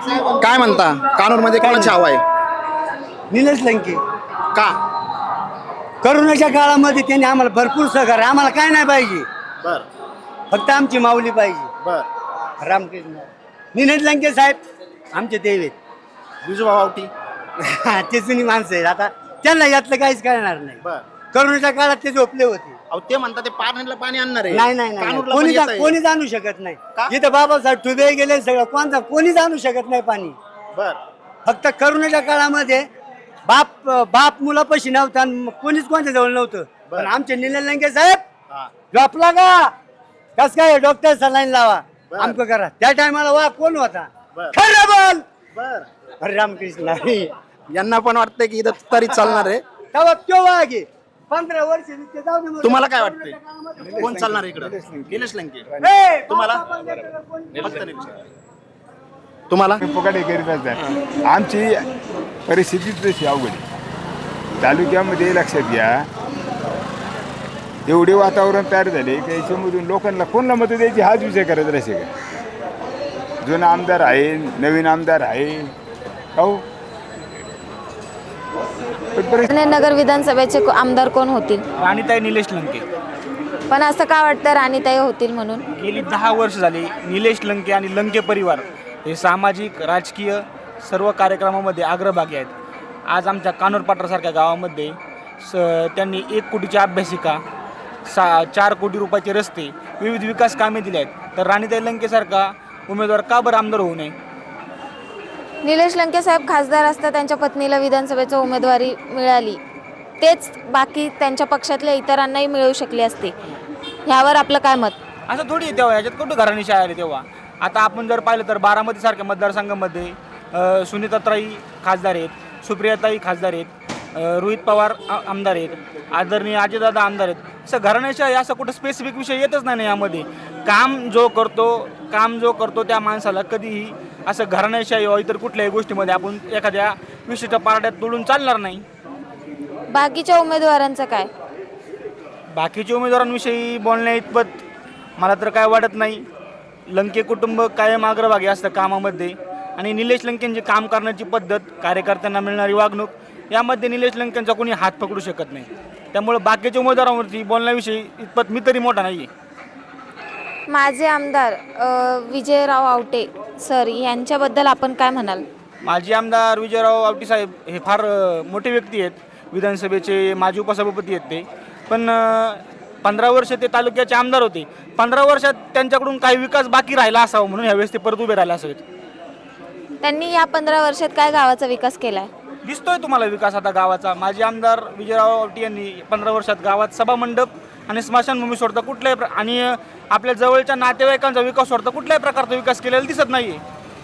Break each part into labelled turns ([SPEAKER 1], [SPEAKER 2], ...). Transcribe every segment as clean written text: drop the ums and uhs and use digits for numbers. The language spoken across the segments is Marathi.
[SPEAKER 1] काय म्हणता कानूरमध्ये कोणाची हवा आहे?
[SPEAKER 2] निलेश लंके.
[SPEAKER 1] का?
[SPEAKER 2] करोनाच्या काळामध्ये त्यांनी आम्हाला भरपूर सहकार्य, आम्हाला काय नाही पाहिजे,
[SPEAKER 1] बर
[SPEAKER 2] फक्त आमची माऊली पाहिजे.
[SPEAKER 1] बर
[SPEAKER 2] रामकृष्ण निलेश लंके साहेब आमचे देव आहेत.
[SPEAKER 1] विजूभाऊ आवटी.
[SPEAKER 2] ते जुनी माणसं आहेत, आता त्यांना यातलं काहीच करणार नाही.
[SPEAKER 1] बर
[SPEAKER 2] करोनाच्या काळात ते झोपले होते.
[SPEAKER 1] अहो ते म्हणतात ते पाण्याला पाणी आणणार आहे.
[SPEAKER 2] नाही नाही नाही,
[SPEAKER 1] कानूरला
[SPEAKER 2] कोणी
[SPEAKER 1] पण येतंय.
[SPEAKER 2] कोणी जाणू शकत नाही.
[SPEAKER 1] का?
[SPEAKER 2] इथं बाबासाहेब ठुबे गेले सगळं, कोणी जाणू शकत नाही पाणी.
[SPEAKER 1] बर
[SPEAKER 2] फक्त करोनाच्या काळामध्ये बाप मुलापाशी नव्हता आणि कोणीच कोणत्या जवळ नव्हतं.
[SPEAKER 1] बर.
[SPEAKER 2] पण आमचे निलेश लंके साहेब
[SPEAKER 1] हा.
[SPEAKER 2] झोपला का कस काय डॉक्टर सलाईन लावा
[SPEAKER 1] बर.
[SPEAKER 2] आमचं करा. त्या टायमाला वा कोण होता?
[SPEAKER 1] बर.
[SPEAKER 2] खरं बोल.
[SPEAKER 1] बर
[SPEAKER 2] अरे रामकृष्ण.
[SPEAKER 1] यांना पण वाटतंय की इथं तरी चालणार आहे.
[SPEAKER 2] तेव्हा तो वागे 15 वर्ष ते जाऊ दे मग.
[SPEAKER 1] तुम्हाला काय वाटतंय कोण चालणार इकडं? निलेश लंके.
[SPEAKER 2] ए,
[SPEAKER 1] तुम्हाला? फक्त निलेश. तुम्हाला?
[SPEAKER 3] फुकाटे करीत असतात. आमची परिस्थितीच तशी अवघड आहे. तालुक्यामध्ये लक्षात घ्या, एवढे वातावरण तयार झाले की याच्यामधून लोकांना कोणाला मतं द्यायची हाच विचार करत राहायचे का? जुना आमदार आहे, नवीन आमदार आहे, हो पण
[SPEAKER 4] नगर विधानसभेचे आमदार कोण होतील?
[SPEAKER 5] राणीताई निलेश लंके.
[SPEAKER 4] पण असं का वाटतं राणीताई होतील म्हणून?
[SPEAKER 5] गेली 10 वर्ष झाली निलेश लंके आणि लंके परिवार हे सामाजिक राजकीय सर्व कार्यक्रमामध्ये अग्रभागी आहेत. आज आमच्या कानूर पाटरासारख्या गावामध्ये त्यांनी 1 कोटीची अभ्यासिका, 4 कोटी रुपयाचे रस्ते, विविध विकास कामे दिली आहेत. तर राणीताई लंकेसारखा उमेदवार का बरं आमदार होऊ नये?
[SPEAKER 4] निलेश लंके साहेब खासदार असता त्यांच्या पत्नीला विधानसभेची उमेदवारी मिळाली, तेच बाकी त्यांच्या पक्षातल्या इतरांनाही मिळू शकली असते. ह्यावर आपलं काय मत?
[SPEAKER 5] असं थोडी आहे तेव्हा, याच्यात कुठं घराणेशाही आली तेव्हा. आता आपण जर पाहिलं तर बारामतीसारख्या मतदारसंघामध्ये सुनीताताई खासदार आहेत, सुप्रियाताई खासदार आहेत, रोहित पवार आमदार आहेत, आदरणीय अजयदादा आमदार आहेत. असं घराण्याशाही असं कुठं स्पेसिफिक विषय येतच नाही यामध्ये. काम जो करतो त्या माणसाला कधीही असं घराण्याशाही व इतर कुठल्याही गोष्टीमध्ये आपण एखाद्या विशिष्ट पारड्यात तोडून चालणार नाही.
[SPEAKER 4] बाकीच्या उमेदवारांचं काय?
[SPEAKER 5] बाकीच्या उमेदवारांविषयी बोलण्या इतपत मला तर काय वाटत नाही. लंके कुटुंब कायम अग्रभागी असतं कामामध्ये आणि निलेश लंकेंची काम करण्याची पद्धत, कार्यकर्त्यांना मिळणारी वागणूक यामध्ये निलेश लंकेंचा कोणी हात पकडू शकत नाही. त्यामुळे बाकीच्या उमेदवारांवरती बोलण्याविषयी इतपत मी तरी मोठा नाही आहे.
[SPEAKER 4] माझे आमदार विजयराव आवटे सर यांच्याबद्दल आपण काय म्हणाल?
[SPEAKER 5] माजी आमदार विजयराव आवटी साहेब हे फार मोठे व्यक्ती आहेत, विधानसभेचे माजी उपसभापती आहेत ते. पण 15 वर्ष ते तालुक्याचे आमदार होते. 15 वर्षात त्यांच्याकडून काही विकास बाकी राहिला असावा म्हणून यावेळेस ते परत उभे राहिले असावेत.
[SPEAKER 4] त्यांनी या 15 वर्षात काय गावाचा विकास केलाय?
[SPEAKER 5] दिसतोय तुम्हाला विकास आता गावाचा. माजी आमदार विजयराव आवटी यांनी 15 वर्षात गावात सभामंडप आणि स्मशानभूमी सोडता कुठल्याही आणि आपल्या जवळच्या नातेवाईकांचा विकास सोडता कुठल्याही प्रकारचा विकास केलेला दिसत नाहीये.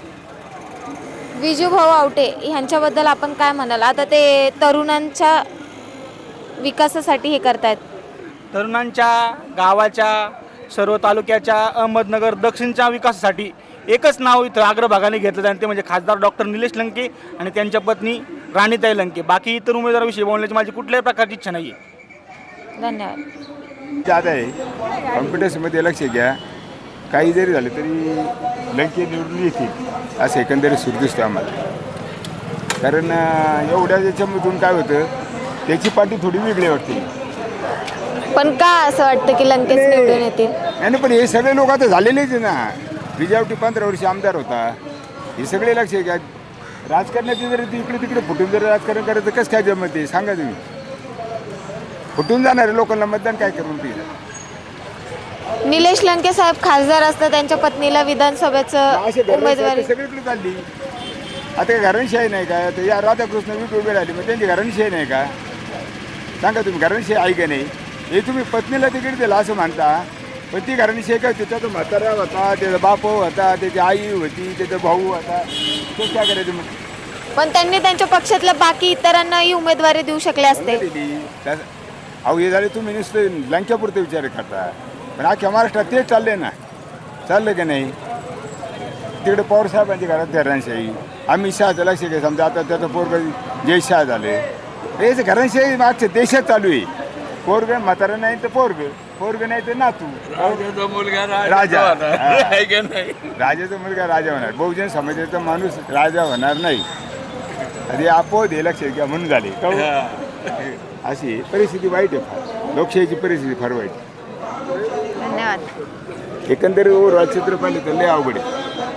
[SPEAKER 4] विजूभाऊ आवटे ह्यांच्याबद्दल आपण काय म्हणाल? आता ते तरुणांच्या विकासासाठी हे करतायत.
[SPEAKER 5] तरुणांच्या, गावाच्या, सर्व तालुक्याच्या, अहमदनगर दक्षिणच्या विकासासाठी एकच नाव इथं अग्रभागाने घेतलं जातं, ते म्हणजे खासदार डॉक्टर निलेश लंके आणि त्यांच्या पत्नी राणीताई लंके. बाकी इतर उमेदवाराविषयी बोलण्याची माझी कुठल्याही प्रकारची इच्छा नाही आहे.
[SPEAKER 4] धन्यवाद.
[SPEAKER 3] जात आहे. कॉम्पिटिशनमध्ये लक्ष घ्या, काही जरी झालं तरी लंके निवडून येतील असं एकंदरीत सुरू दिसतं आम्हाला. कारण एवढ्या याच्यामधून काय होतं, त्याची पार्टी थोडी वेगळी वाटते.
[SPEAKER 4] पण का असं वाटतं की लंकेश निवडून येतील?
[SPEAKER 3] नाही पण हे सगळे लोक आता झालेलेच आहे ना. विजयावटी 15 वर्ष आमदार होता, हे सगळे लक्ष घ्या. राजकारणाचे जर इकडे तिकडे फुटून जर राजकारण करायचं कसं काय जमत आहे सांगा तुम्ही? फुटून जाणारे लोकांना मतदान काय करून दिलं?
[SPEAKER 4] निलेश लंके साहेब खासदार असतात, त्यांच्या पत्नीला विधानसभेचं उमेदवारी
[SPEAKER 3] सगळीकडे चालली. आता काय घराणीशाही नाही का? आता या राधाकृष्ण विक उभे राहिले, मग त्यांची घराणीशाही नाही का? सांगा तुम्ही, घराणीशाही आहे का नाही? हे तुम्ही पत्नीला तिकीट दिलं असं म्हणता, पण ती घराणीशाही काय? त्याचा तो म्हातारा होता, त्याचा बाप होता, त्याची आई होती, त्याचा भाऊ होता, ते काय करायचं मग?
[SPEAKER 4] पण त्यांनी त्यांच्या पक्षातल्या बाकी इतरांनाही उमेदवारी देऊ शकले असते.
[SPEAKER 3] अहो हे झाले तुम्ही नुसतं लंक्यापुरते विचार करता, पण अख्ख्या महाराष्ट्रात तेच चाललंय ना. चाललं का नाही? तिकडे पवार साहेबांच्या घरात घराणशाही, अमित शहाचं लक्ष घ्या. समजा आता त्याचं पोरग जय शहा झाले, हेच घराणशाही मागच्या देशात चालू आहे. पोरग म्हातारा नाही तर पोरग पोरग नाही तर नातू
[SPEAKER 6] राजाचा मुलगा
[SPEAKER 3] राजा
[SPEAKER 6] होणार. आहे का नाही?
[SPEAKER 3] राजाचा मुलगा राजा होणार. बहुजन समाजाचा माणूस राजा होणार नाही. अरे आपोआप हे लक्षात घ्या म्हणून झाले का हो? अशी परिस्थिती वाईट आहे फार. लोकशाहीची परिस्थिती फार वाईट आहे.
[SPEAKER 4] धन्यवाद.
[SPEAKER 3] एकंदरीत ओव्हरऑल चित्र पाहिलं तर लय अवघड आहे.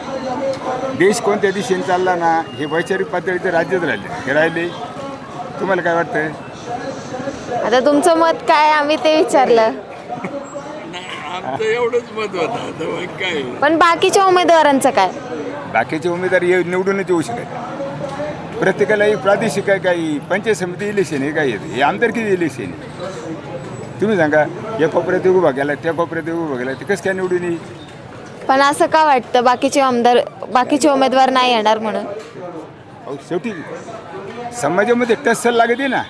[SPEAKER 3] देश कोणत्या दिशेने चालला ना हे वैचारिक पातळीचे राज्यच राहिले. तुम्हाला काय वाटतंय?
[SPEAKER 4] आता तुमचं मत काय आम्ही ते विचारलं,
[SPEAKER 6] आमचं एवढंच मत होतं. आता मग काय
[SPEAKER 4] पण बाकीच्या उमेदवारांचं काय?
[SPEAKER 3] बाकीचे उमेदवार निवडूनच येऊ शकत. प्रत्येकाला एक प्रादेशिक आहे, काही पंचायत समिती इलेक्शन आहे, काही हे आमदारकी इलेक्शन आहे. तुम्ही सांगा या कोपऱ्यात उभा केला त्या कोपऱ्यात उभा केला ते कसं काय निवडून येईल?
[SPEAKER 4] पण असं का वाटतं बाकीचे उमेदवार नाही येणार म्हणून?
[SPEAKER 3] अहो शेवटी समाजामध्ये टस्सल लागते ना,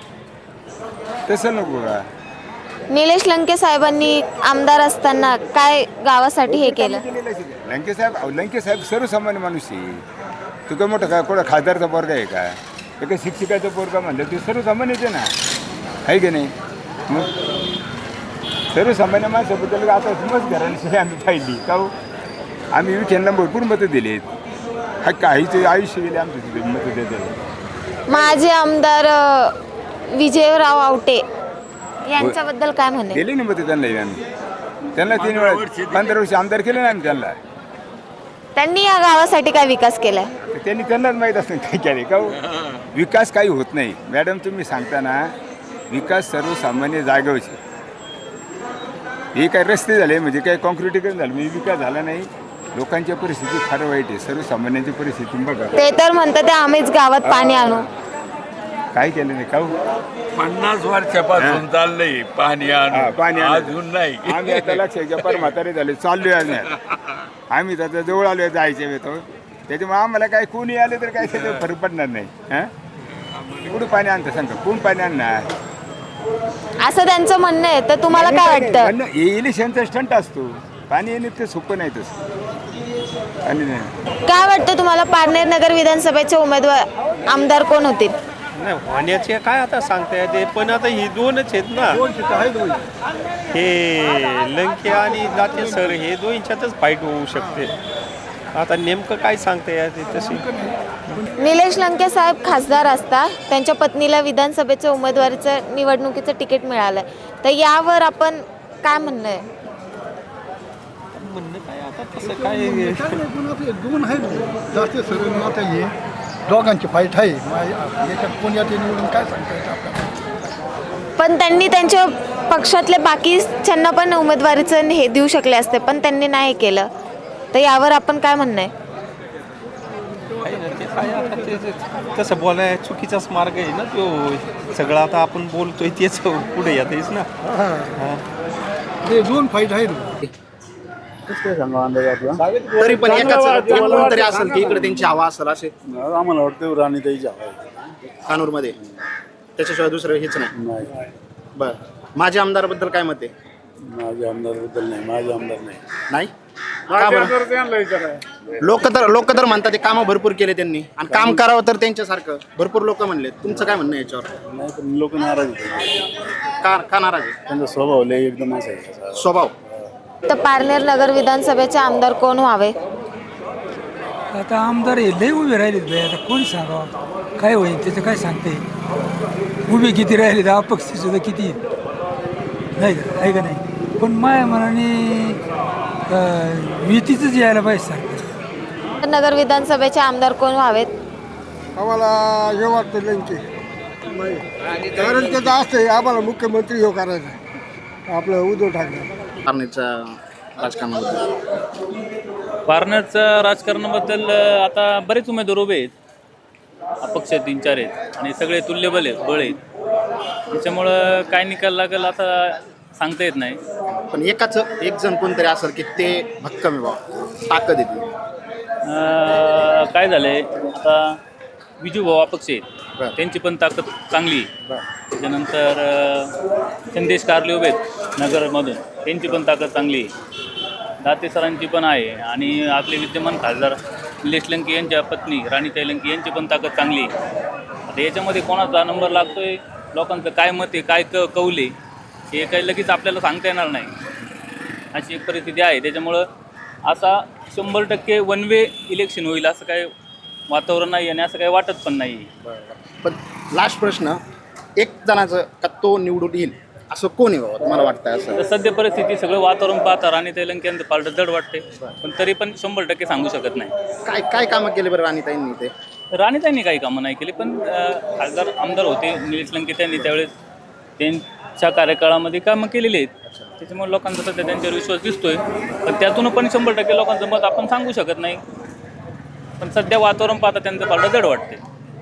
[SPEAKER 3] तसं नको का?
[SPEAKER 4] निलेश लंके साहेबांनी आमदार असताना काय गावासाठी हे केलं?
[SPEAKER 3] लंके साहेब सर्वसामान्य माणूस आहे. तू काय मोठं का कोणा खासदारचा पोरगा आहे का? एका शिक्षकाचा पोरगा म्हणलं ते सर्वसामान्य आहे ना, आहे की नाही? मग सर्वसामान्य माणसाबद्दल आता समज घरांशी आम्ही पाहिली का हो? आम्ही विखेंना भरपूर मतं दिली आहेत. काहीचे आयुष्य गेले आमचं तिथे मतं देतात.
[SPEAKER 4] माजी आमदार विजयराव आवटे यांच्याबद्दल काय म्हणे?
[SPEAKER 3] दिली ना मतं त्यांना आम्ही. त्यांना 3 वेळा 15 वर्ष आमदार केले ना आम्ही त्यांना.
[SPEAKER 4] त्यांनी या गावासाठी काय विकास केलाय?
[SPEAKER 3] त्यांनी त्यांनाच माहीत असतं काय केले का हो? विकास काही होत नाही मॅडम. तुम्ही सांगताना विकास सर्वसामान्य जागेवरचे. हे काय रस्ते झाले म्हणजे काय कॉन्क्रिटीकरण झालं म्हणजे विकास झाला नाही. लोकांच्या परिस्थिती फार वाईट आहे. सर्वसामान्यांची परिस्थिती बघा.
[SPEAKER 4] ते तर म्हणतात ते आम्हीच गावात पाणी आणू.
[SPEAKER 3] काय केलं नाही का हो?
[SPEAKER 6] 50 वर्षापासून चाललंय पाणी
[SPEAKER 3] पाणी आणू.
[SPEAKER 6] अजून नाही.
[SPEAKER 3] आम्ही आता लक्षात घ्या फार म्हातारे झाले चाललोय आम्ही आता जवळ आलोय जायचे येतो. त्याच्यामुळे आम्हाला काय कोणी आले तर काय त्याच्यावर फरक पडणार नाही. कुठं पाणी आणतं सांगा? कोण पाणी आणणार?
[SPEAKER 4] असं त्यांचं म्हणणं आहे. तर तुम्हाला काय वाटतं?
[SPEAKER 3] इलेक्शनचा स्टंट असतो. पाणी येणे ते सोपं नाही तसं. आणि
[SPEAKER 4] काय वाटतं तुम्हाला पारनेर नगर विधानसभेचे उमेदवार आमदार कोण होतील?
[SPEAKER 7] नाही होण्याचे काय आता सांगता येते, पण आता ही 2च आहेत ना. हे लंके आणि दाते सर हे 2च्यातच फाईट होऊ शकते. आता नेमकं काय सांगता येते तशी.
[SPEAKER 4] निलेश लंके साहेब खासदार असता त्यांच्या पत्नीला विधानसभेचं उमेदवारीचं निवडणुकीचं तिकीट मिळालं, तर यावर आपण काय म्हणणं आहे?
[SPEAKER 7] म्हणणं काय आता तसं काय
[SPEAKER 8] 2 आहेत जास्त सगळं आता हे दोघांची फाईट आहे. याच्यात कोण यात निवडून काय सांगता येतं आपल्याला?
[SPEAKER 4] पण त्यांनी त्यांच्या पक्षातले बाकीच्यांना पण उमेदवारीचं हे देऊ शकले असते, पण त्यांनी नाही केलं. तर यावर आपण काय म्हणणं आहे?
[SPEAKER 7] ते काय आता ते तसं बोलाय चुकीचाच मार्ग आहे ना तो. सगळं आता आपण बोलतोय तेच पुढे येतेच ना.
[SPEAKER 8] ते 2 फाईट आहेत.
[SPEAKER 1] तरी पण कोणतरी असेल की इकडे त्यांची हवा असेल असे
[SPEAKER 8] आम्हाला वाटतं राणीताईची हवा आहे
[SPEAKER 1] कानूर मध्ये. त्याच्याशिवाय दुसरं हेच नाही.
[SPEAKER 8] नाही.
[SPEAKER 1] बर माझ्या आमदाराबद्दल काय मत आहे?
[SPEAKER 8] माझ्या आमदारबद्दल नाही. माझे आमदार नाही.
[SPEAKER 1] का बरं? लोक तर म्हणतात ते कामं भरपूर केले त्यांनी आणि काम करावं तर त्यांच्यासारखं भरपूर लोक म्हणले. तुमचं काय म्हणणं आहे याच्यावर?
[SPEAKER 8] नाही पण लोक नाराज होते.
[SPEAKER 1] का नाराज आहे?
[SPEAKER 8] त्यांचा स्वभाव लय एकदम असा आहे.
[SPEAKER 1] स्वभाव.
[SPEAKER 4] तर पारनेर नगर विधानसभेचे आमदार कोण व्हावे?
[SPEAKER 9] आता आमदार हे लय उभे राहिलेत बाई. आता कोण सांगावं काय होईल त्याचं काय सांगते? उभे किती राहिले, अपक्ष सुद्धा किती नाही का, आहे का नाही? पण माया मनाने युतीचंच यायला पाहिजे सांगते.
[SPEAKER 4] नगर विधानसभेचे आमदार कोण व्हावेत?
[SPEAKER 8] आम्हाला हे वाटतं लंके. कारण त्याचं असं आहे आम्हाला मुख्यमंत्री हे करायचं आपलं उद्धव ठाकरे.
[SPEAKER 1] पारनेरच्या राजकारणाबद्दल
[SPEAKER 10] पारनेरच्या राजकारणाबद्दल आता बरेच उमेदवार उभे आहेत. अपक्ष 3-4 आहेत आणि सगळे तुल्यबल आहेत, बळ आहेत. त्याच्यामुळं काय निकाल लागेल आता सांगता येत नाही.
[SPEAKER 1] पण एक जण कोणतरी असेल की ते भक्कम आहे बा, ताकद येते.
[SPEAKER 10] काय झालंय आता विजू भाऊ अपक्ष आहेत, त्यांची पण ताकद चांगली आहे. त्याच्यानंतर संदेश कारले उभे आहेत नगरमधून, त्यांची पण ताकद चांगली आहे. दाते सरांची पण आहे आणि आपले विद्यमान खासदार निलेश लंके यांच्या पत्नी राणीताई लंके यांची पण ताकद चांगली आहे. आता याच्यामध्ये कोणाचा नंबर लागतोय, लोकांचं काय मत आहे, काय कौल आहे, हे काही लगेच आपल्याला सांगता येणार नाही. अशी एक परिस्थिती आहे. त्याच्यामुळं असा 100% वन वे इलेक्शन होईल असं काही वातावरण नाही आणि असं काही वाटत पण नाही.
[SPEAKER 1] पण लास्ट प्रश्न, एक जणाचं का तो निवडून येईल असं कोण आहे बाबा तुम्हाला वाटतं असं?
[SPEAKER 10] तर सध्या परिस्थिती सगळं वातावरण पाहता राणीताई लंकेंचं पालट जड वाटते, पण तरी पण 100% सांगू शकत नाही.
[SPEAKER 1] काय काय कामं केले बरं राणीताईंनी ते?
[SPEAKER 10] राणीताईंनी काही कामं नाही केली, पण खासदार आमदार होते निलेश लंके, त्यांनी त्यावेळेस त्यांच्या कार्यकाळामध्ये कामं केलेली आहेत. त्याच्यामुळे लोकांचा सध्या त्यांच्यावर विश्वास दिसतोय, पण त्यातून पण 100% लोकांचं मत आपण सांगू शकत नाही. पण सध्या वातावरण पाहता त्यांचं पालट जड वाटते.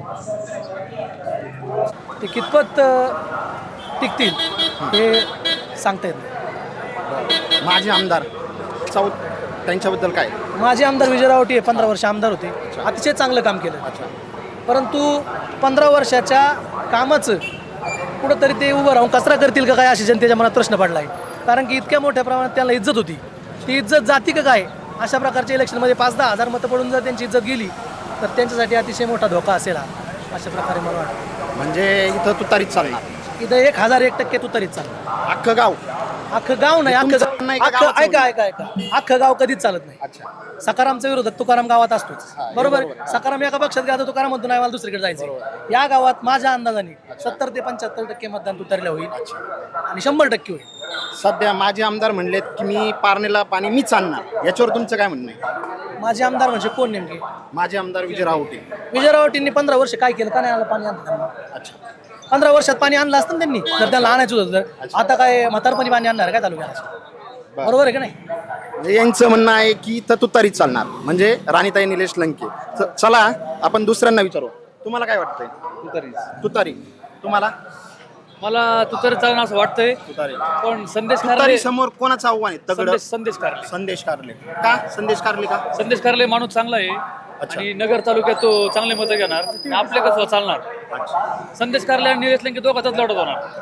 [SPEAKER 11] ते कितपत टिकतील हे सांगता येत नाही.
[SPEAKER 1] माझे आमदार त्यांच्याबद्दल काय?
[SPEAKER 11] माझे आमदार विजय रावटी 15 वर्ष आमदार होते, अतिशय चांगलं काम केलं. परंतु 15 वर्षाच्या कामाचं कुठंतरी ते उभं राहून कचरा करतील का काय अशी जनतेच्या मनात प्रश्न पडला आहे. कारण की इतक्या मोठ्या प्रमाणात त्यांना इज्जत होती, ती इज्जत जाती का काय? अशा प्रकारच्या इलेक्शनमध्ये 5-10 हजार मतं पडून जर त्यांची इज्जत गेली तर त्यांच्यासाठी अतिशय मोठा धोका असेल हा. अशा प्रकारे मला वाटतं.
[SPEAKER 1] म्हणजे इथं तुतारीच चालणार?
[SPEAKER 11] इथं 1001% तुतारीच चालणार.
[SPEAKER 1] अख्खं गाव?
[SPEAKER 11] अख्खं गाव नाही,
[SPEAKER 1] तुमचं नाही का गावाचं?
[SPEAKER 11] ऐका अख्खं गाव कधीच चालत नाही. सकारामचा विरोधक तुकाराम गावात असतोच, बरोबर. सकाराम एका पक्षात गेला तर तुकाराम म्हणतो नाही मला दुसरीकडे जायचं. या गावात माझ्या अंदाजाने 70 ते 75% मतदान तुतारीला होईल आणि 100% होईल.
[SPEAKER 1] सध्या माझे आमदार म्हणलेत की मी पारणीला पाणी मीच आणणार, याच्यावर तुमचं काय म्हणणं आहे?
[SPEAKER 11] माझे आमदार म्हणजे कोण नेमके?
[SPEAKER 1] माझे आमदार विजय रावटे.
[SPEAKER 11] विजय रावटींनी 15 वर्ष काय केलं? का नाही आलं पाणी आणलं त्यांना? 15 वर्षात पाणी आणलं असतं ना त्यांनी, जर त्यांना आणायचं होतं तर. आता काय म्हातारपणी पाणी आणणार काय तालुक्याला? बरोबर आहे का नाही?
[SPEAKER 1] म्हणजे यांचं म्हणणं आहे की इथं तुतारीच चालणार, म्हणजे राणीताई निलेश लंके. चला आपण दुसऱ्यांना विचारू, तुम्हाला काय वाटतंय? तुतारी. तुम्हाला?
[SPEAKER 12] मला तुतारी चालणं असं वाटतंय,
[SPEAKER 1] तुतारी.
[SPEAKER 12] पण संदेश
[SPEAKER 1] तुतारी समोर कोणाचं आव्हान आहे? तगडं?
[SPEAKER 12] संदेश कारले.
[SPEAKER 1] संदेश कारले का? संदेश कारले का?
[SPEAKER 12] संदेश कारले माणूस चांगला आहे आणि नगर तालुक्यात तो चांगले मतं घेणार. आपले कसं चालणार? संदेश कारले आणि निलेश लंके दोघांचाच लढत होणार.